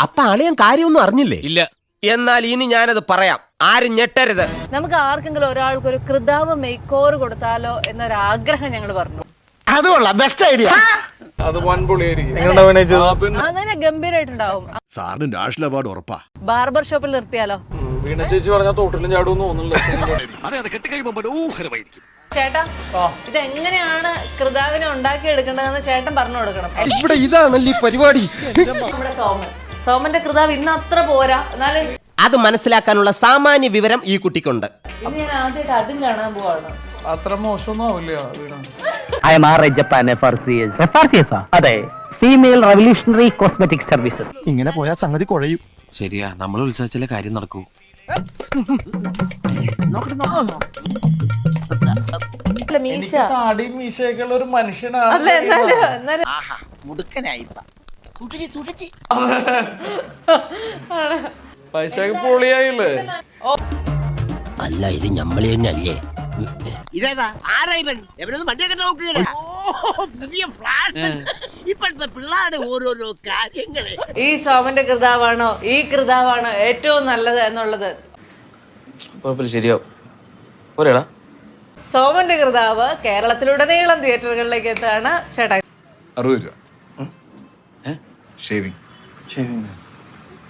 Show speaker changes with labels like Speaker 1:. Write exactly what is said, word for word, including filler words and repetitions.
Speaker 1: അപ്പൊ അളിയൻ കാര്യമൊന്നും അറിഞ്ഞില്ലേ?
Speaker 2: ഇല്ല.
Speaker 1: എന്നാൽ ഇനി ഞാനത് പറയാം, ആരും ഞെട്ടരുത്.
Speaker 3: നമുക്ക് ആർക്കെങ്കിലും ഒരാൾക്ക് ഒരു കൃതാവ് മേക്ക് ഓവർ കൊടുത്താലോ എന്നൊരാഗ്രഹം ഞങ്ങൾ പറഞ്ഞു.
Speaker 4: അതുകൊള്ള ബെസ്റ്റ് ഐഡിയ.
Speaker 2: അത് വൻപൊളിയായിരിക്കും.
Speaker 3: അങ്ങനെ ഗംഭീരായിട്ടുണ്ടാവും.
Speaker 5: സാറിന് നാഷണൽ അവാർഡ് ഉറപ്പാ.
Speaker 3: ബാർബർ ഷോപ്പിൽ നിർത്തിയാലോ?
Speaker 2: വീണ ചേച്ചി പറഞ്ഞാൽ തോട്ടിലും ചാടുമെന്ന് തോന്നുന്നില്ല.
Speaker 3: ചേട്ടാ, ഇതെങ്ങനെയാണ് കൃതാവിനെ ഉണ്ടാക്കി എടുക്കേണ്ടതെന്ന് ചേട്ടൻ പറഞ്ഞു കൊടുക്കണം.
Speaker 1: ഇവിടെ ഇതാണല്ലേ പരിപാടി.
Speaker 3: നമ്മുടെ സോമൻ സോമന്റെ കൃതാവ് ഇന്ന് അത്ര പോരാ, എന്നാലും
Speaker 1: അത് മനസ്സിലാക്കാനുള്ള സാമാന്യ വിവരം ഈ കുട്ടിക്കുണ്ട്.
Speaker 3: ഇന്ന് ഞാൻ ആദ്യമായിട്ട് അതും കാണാൻ പോവാണ്.
Speaker 2: അത്ര മോശമൊന്നും ആവില്ല Veena.
Speaker 4: I M R I Japan F R C S. F R C S അതെ, ഫീമെയിൽ റവല്യൂഷണറി കോസ്മെറ്റിക് സർവീസസ്.
Speaker 5: ഇങ്ങനെ പോയാൽ സംഗതി കുഴയും.
Speaker 6: ശരിയാ, നമ്മൾ ഉത്സവിച്ചാലേ കാര്യം നടക്കൂ.
Speaker 3: മീശ
Speaker 2: താടി മീശയൊക്കെ ഒരു മനുഷ്യനാണ്.
Speaker 3: അല്ല, എന്നാലും എന്നാലും
Speaker 2: പൈസക്ക് പൊളിയായില്ലേ?
Speaker 1: അല്ല, ഇത് ഞമ്മള് തന്നെ അല്ലേ?
Speaker 4: ഇതേതാ ആരാ ഇവൻ? എവരൊന്നും വണ്ടിയൊക്കെ നോക്കുകയാണ്. പുതിയ ഫ്ലാഷ്. ഇപ്പോഴത്തെ പിള്ളേരുടെ ഓരോരോ കാര്യങ്ങള്.
Speaker 3: ഈ സോമന്റെ കൃതാവാണോ ഈ കൃതാവാണോ ഏറ്റവും നല്ലത് എന്നുള്ളത്
Speaker 6: ശരിയാവും. ഒരേടാ
Speaker 3: സോമന്റെ കൃതാവ് കേരളത്തിലുടനീളം തിയേറ്ററുകളിലേക്ക് എത്താണ് ചേട്ടാ.
Speaker 5: അറുപത് രൂപ ഷേവിംഗ് ഷേവിംഗ്